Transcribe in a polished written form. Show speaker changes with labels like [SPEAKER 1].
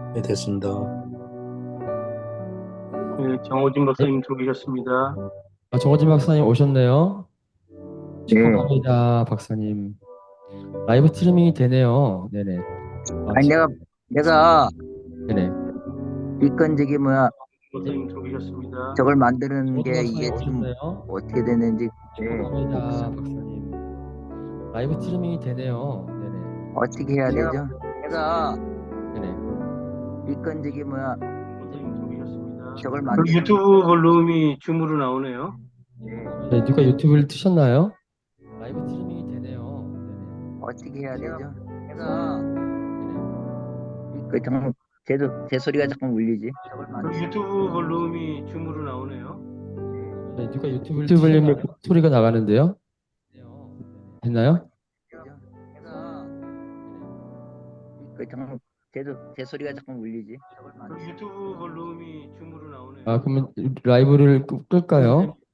[SPEAKER 1] 네, 됐습니다.
[SPEAKER 2] 네, 정호진
[SPEAKER 3] 네.
[SPEAKER 2] 박사님 들어오셨습니다.
[SPEAKER 3] 정호진 박사님 오셨네요.
[SPEAKER 4] 네.
[SPEAKER 3] 축하합니다, 박사님. 라이브 스트리밍이 되네요. 네네.
[SPEAKER 4] 아니 내가
[SPEAKER 3] 네네.
[SPEAKER 4] 이건 저기 뭐야
[SPEAKER 2] 박사님 들어오셨습니다.
[SPEAKER 4] 저걸 만드는
[SPEAKER 3] 정호진
[SPEAKER 4] 게
[SPEAKER 3] 박사님
[SPEAKER 4] 이게 지금
[SPEAKER 3] 오셨네요.
[SPEAKER 4] 어떻게 됐는지
[SPEAKER 3] 축하합니다, 박사님. 라이브 스트리밍이 되네요. 네네.
[SPEAKER 4] 어떻게 해야 되죠? 내가
[SPEAKER 3] 네네.
[SPEAKER 4] 이건 저기 뭐야
[SPEAKER 2] 박사님 들어오셨습니다.
[SPEAKER 4] 저걸
[SPEAKER 2] 그
[SPEAKER 4] 만드는
[SPEAKER 2] 유튜브 볼륨이 줌으로 나오네요.
[SPEAKER 3] 네, 누가 유튜브를 트셨나요? 라이브 스트리밍이 되네요. 네네.
[SPEAKER 4] 어떻게 해야 되죠? 내가
[SPEAKER 3] 네네.
[SPEAKER 4] 그 정말 제 소리가 자꾸 울리지. 저걸
[SPEAKER 2] 그
[SPEAKER 4] 만드는
[SPEAKER 2] 유튜브 볼륨이 줌으로 나오네요.
[SPEAKER 3] 네, 누가 유튜브를 트셨나요? 소리가 나가는데요. 됐나요?
[SPEAKER 4] 내가 그 정말 제 소리가 자꾸 울리지. 저걸
[SPEAKER 2] 그
[SPEAKER 4] 만드는
[SPEAKER 2] 유튜브 볼륨이 줌으로 나오네요.
[SPEAKER 3] 그러면 라이브를 끌까요?